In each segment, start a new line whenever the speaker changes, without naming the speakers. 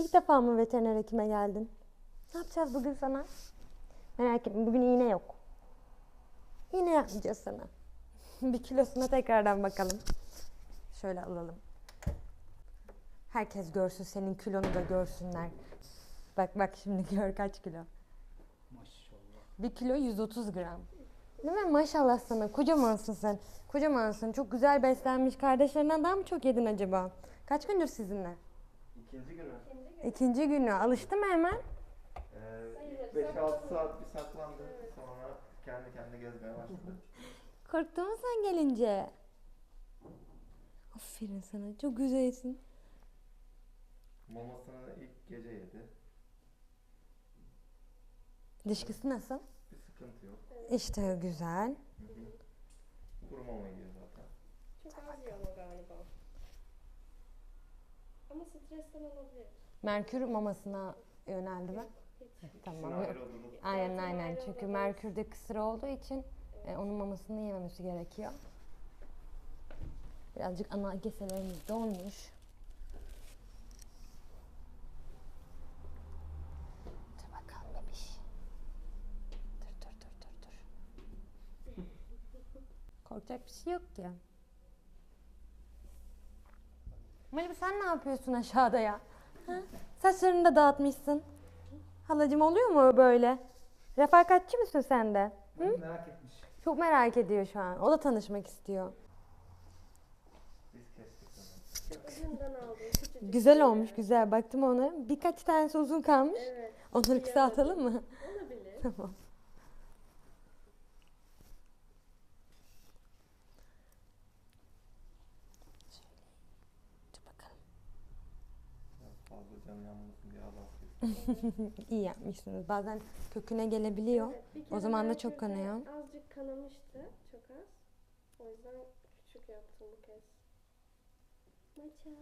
İlk defa mı veteriner hekime geldin? Ne yapacağız bugün sana? Merak etme, bugün iğne yok. İğne yapmayacağız sana. Bir kilosuna tekrardan bakalım. Şöyle alalım. Herkes görsün, senin kilonu da görsünler. Bak bak şimdi gör kaç kilo.
Maşallah.
1 kilo 130 gram. Değil mi? Maşallah sana. Kocamansın sen. Kocamansın. Çok güzel beslenmiş. Kardeşlerinden daha mı çok yedin acaba? Kaç gündür sizinle?
İkinci günü.
İkinci günü. Alıştı mı hemen?
5-6 saat bir saklandı. Sonra kendi kendine gezmeye başladı.
Korktun mu sen gelince? Aferin sana. Çok güzelsin.
Mamasını ilk gece yedi.
Dışkısı nasıl?
Bir sıkıntı yok.
İşte güzel.
Kuru mama yiyor zaten.
Çok az yiyor ama galiba. Ama stresten olabilir.
Merkür mamasına yöneldi mi?
Hiç.
Tamam.
İkisini
Yok.
ayrı odada
Aynen
Zaten
aynen.
ayrı
Çünkü
odada.
Merkür'de kısır olduğu için onun mamasını yememesi gerekiyor. Birazcık ana keselerimiz donmuş. Dur bakalım bebiş. Dur. Korkacak bir şey yok ki. Malibu sen ne yapıyorsun aşağıda ya? Ha? Saçlarını da dağıtmışsın. Halacığım oluyor mu böyle? Refakatçi misin sen de? Hı?
Merak etmiş.
Çok merak ediyor şu an. O da tanışmak istiyor.
biz kestik onu.
Ucundan aldım. Küçücük.
Güzel olmuş, güzel. Baktım ona. Birkaç tanesi uzun kalmış.
Evet.
Onları kısaltalım mı?
Olabilir.
Tamam. Dur bakalım.
Biraz fazla canı yanmasın diye az kestik.
İyi yapmışsınız. Bazen köküne gelebiliyor.
Evet, bir
O
kere
zaman da
belki
çok
de
kanıyor.
Azıcık kanamıştı. Çok az. O yüzden küçük yaptım bu kez. Maça.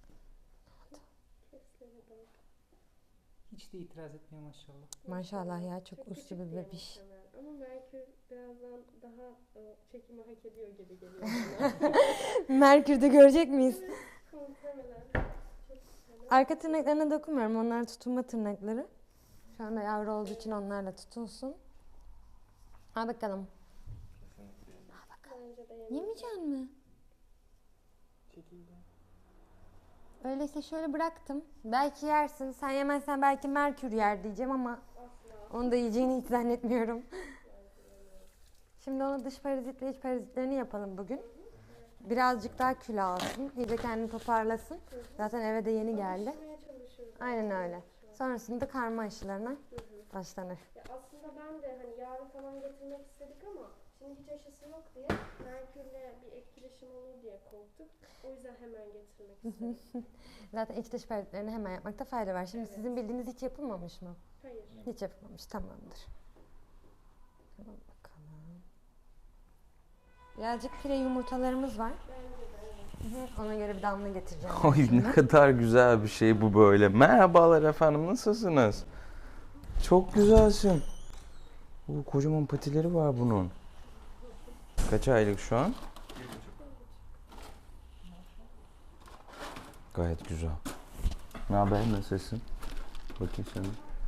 Keslere bak.
Hiç de itiraz etmiyor maşallah.
Maşallah ya, çok uslu
küçük
bir
diye
bebiş.
muhtemelen. Ama Merkür birazdan daha çekimi hak ediyor gibi geliyor bana.
Merkür'de görecek miyiz?
Muhtemelen. Çok güzel.
Arka tırnaklarına dokunmuyorum. Onlar tutunma tırnakları. Şu anda yavru olduğu için onlarla tutunsun. Al bakalım.
Kesinlikle.
Bence de
Yemeyecek mi?
Çekildi.
Öyleyse şöyle bıraktım. Belki yersin. Sen yemezsen belki Merkür yer diyeceğim ama
Asla.
onu da yiyeceğini hiç zannetmiyorum. Şimdi ona dış parazitle iç parazitlerini yapalım bugün. Birazcık daha kilo alsın. İyice kendini toparlasın. Zaten eve de yeni geldi.
Alıştırmaya çalışıyoruz.
Aynen öyle. Sonrasında karma aşılarına başlanır.
Ya aslında ben de hani yarın falan getirmek istedik ama şimdi hiç aşısı yok diye Merkür'le bir etkileşim olur diye korktuk. O yüzden hemen getirmek istedik.
Zaten iç dış parazitlerini hemen yapmakta fayda var. Şimdi sizin bildiğiniz hiç yapılmamış mı?
Hayır.
Hiç yapılmamış. Tamamdır. Tamam bakalım. Birazcık pire yumurtalarımız var.
Bence de evet.
Ona göre bir damla getireceğim.
Ay ne kadar güzel bir şey bu böyle. Merhabalar efendim, nasılsınız? Çok güzelsin. Kocaman patileri var bunun. Kaç aylık şu an?
1,5.
Gayet güzel. Ne haber, nasılsın? Bakayım sana.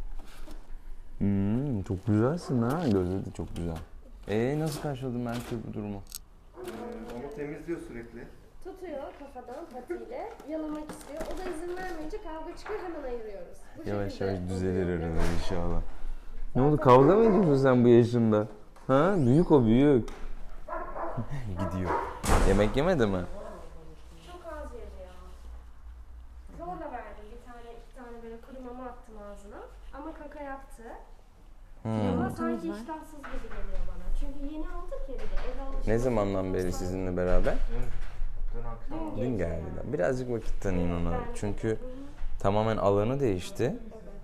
Çok güzelsin ha. Gözleri de çok güzel. Nasıl karşıladın Merkür bu durumu?
Onu temizliyor sürekli.
Tutuyor kafadan patiyle, yalamak istiyor. O da izin vermeyince kavga çıkıyor, hemen ayırıyoruz. Bu
Yavaş
şekilde
yavaş düzelir
oluyor.
aralar inşallah. Ne oldu, kavga mı ediyorsun sen bu yaşında? Ha? Büyük o, büyük. Gidiyor. Yemek yemedi mi?
Çok az yedi ya. Zorla verdim bir tane, iki tane böyle kuru mama attım ağzına. Ama kaka yaptı. Ama sanki
var.
iştahsız gibi geliyor bana. Çünkü yeni aldık ya bir de eve alışveriş.
Ne zamandan beri sizinle beraber?
Dün akşam
Dün geldiler. Birazcık vakit tanıyın ona. Çünkü tamamen alanı değişti.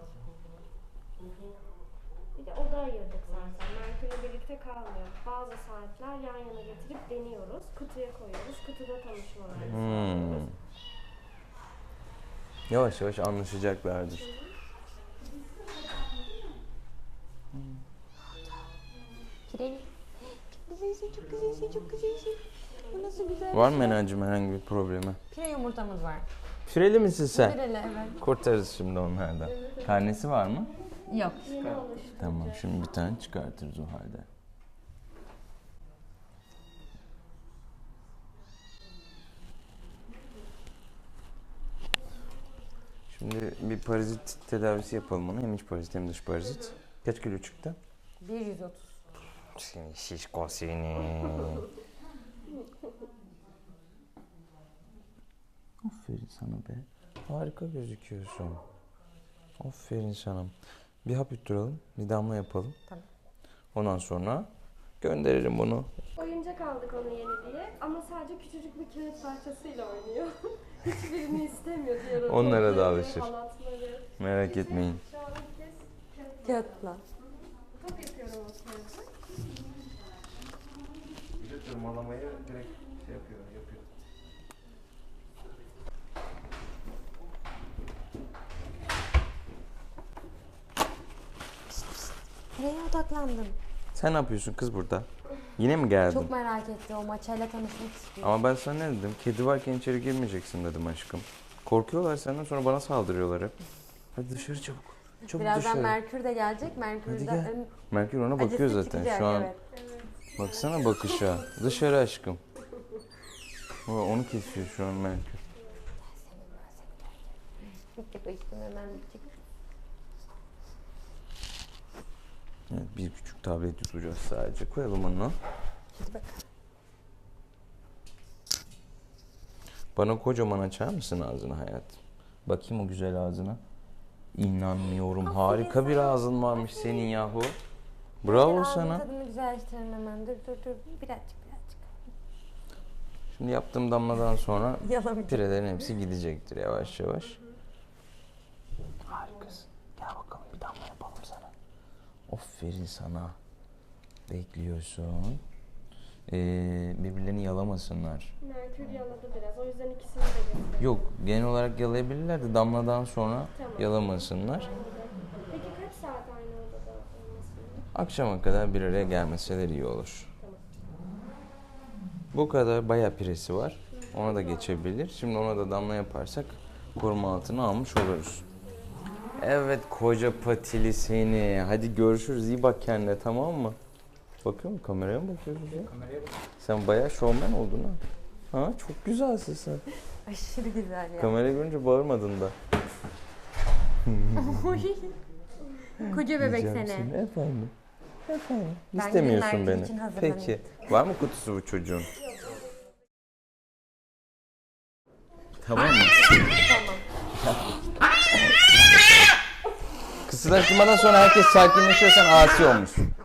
Bir de oda ayırdık zaten. Merkür'le birlikte kalmıyor. Bazı saatler yan yana getirip deniyoruz. Kutuya koyuyoruz. Kutuda tanışmalar.
Yavaş yavaş anlaşacaklardır.
Pireli. Çok güzelsin, çok güzelsin, çok güzelsin. Bu nasıl güzel?
Var mı Menacığım herhangi bir problemi?
Pire yumurtamız var.
Süreli misin sen?
Süreli evet.
Kurtarırız şimdi onlardan. Karnesi var mı?
Yok.
Yeni alıştı.
Tamam, şimdi bir tane çıkartırız o halde. Şimdi bir parazit tedavisi yapalım ona. Hem iç parazit hem dış parazit. Kaç kilo çıktı?
130.
Seni şişko seni. Aferin sana be. Harika gözüküyorsun. Aferin sana. Bir hap yutturalım, bir damla yapalım.
Tamam.
Ondan sonra gönderirim bunu.
Oyuncak aldık onu yeni diye ama sadece küçücük bir kağıt parçasıyla oynuyor. Hiçbirini istemiyor diğer
Onlara da
oyuncakları,
alışır.
halatları.
Merak etmeyin.
Şu an ilk kez kağıt
Kağıtla.
top yapıyorum o kağıtı.
Bir de tırmalamayı direkt şey yapıyor.
Nereye odaklandın?
Sen ne yapıyorsun kız burada? Yine mi geldin?
Çok merak etti o maçayla tanışmak istiyor.
Ama ben sana ne dedim? Kedi varken içeri girmeyeceksin dedim aşkım. Korkuyorlar senden, sonra bana saldırıyorlar hep. Hadi dışarı çabuk. Çabuk
Birazdan
dışarı.
Merkür de gelecek.
Hadi
Merkür'den
gel. Merkür ona bakıyor
acısı
zaten
çıkacak,
şu an.
Evet.
Baksana bakışa. Dışarı aşkım. Onu kesiyor şu an Merkür.
Hemen bitecek.
Evet, bir küçük tablet tutacağız sadece. Koyalım onu.
Hadi bak.
Bana kocaman açar mısın ağzını hayatım? Bakayım o güzel ağzına. İnanmıyorum. Harika bir ağzın varmış senin yahu. Bravo
Ağzın
sana.
tadını güzelleştirelim hemen. Dur. Birazcık.
Şimdi yaptığım damladan sonra
Yalan.
pirelerin hepsi gidecektir yavaş yavaş. Harikasın. Gel bakalım bir damla yapalım sana. Aferin sana. Bekliyorsun. Birbirlerini yalamasınlar.
Merkür yaladı biraz. O yüzden ikisini de getirdim.
Yok, genel olarak yalayabilirler de damladan sonra
Tamam.
yalamasınlar.
Peki kaç saat aynı odada olmasın?
Akşama kadar bir araya gelmeseler iyi olur. Bu kadar bayağı piresi var. Ona da geçebilir. Şimdi ona da damla yaparsak koruma altına almış oluruz. Evet koca patili seni. Hadi görüşürüz. İyi bak kendine, tamam mı? Bakıyor musun? Kameraya mı bakıyorsun ya?
Kameraya bak.
Sen bayağı şovmen oldun ha. Ha, çok güzelsin sen.
Aşırı güzel ya.
Kamerayı görünce bağırmadın da.
Koca bebek
Yiyeceğim
seni.
seni. Efendim. Efendim.
Ben
İstemiyorsun
gideyim,
beni.
Merkür için hazırlanayım.
Peki. Var mı kutusu bu çocuğun? Tamam mı?
Tamam.
Kısırlaştırmadan sonra herkes sakinleşiyor, sen asi olmuşsun.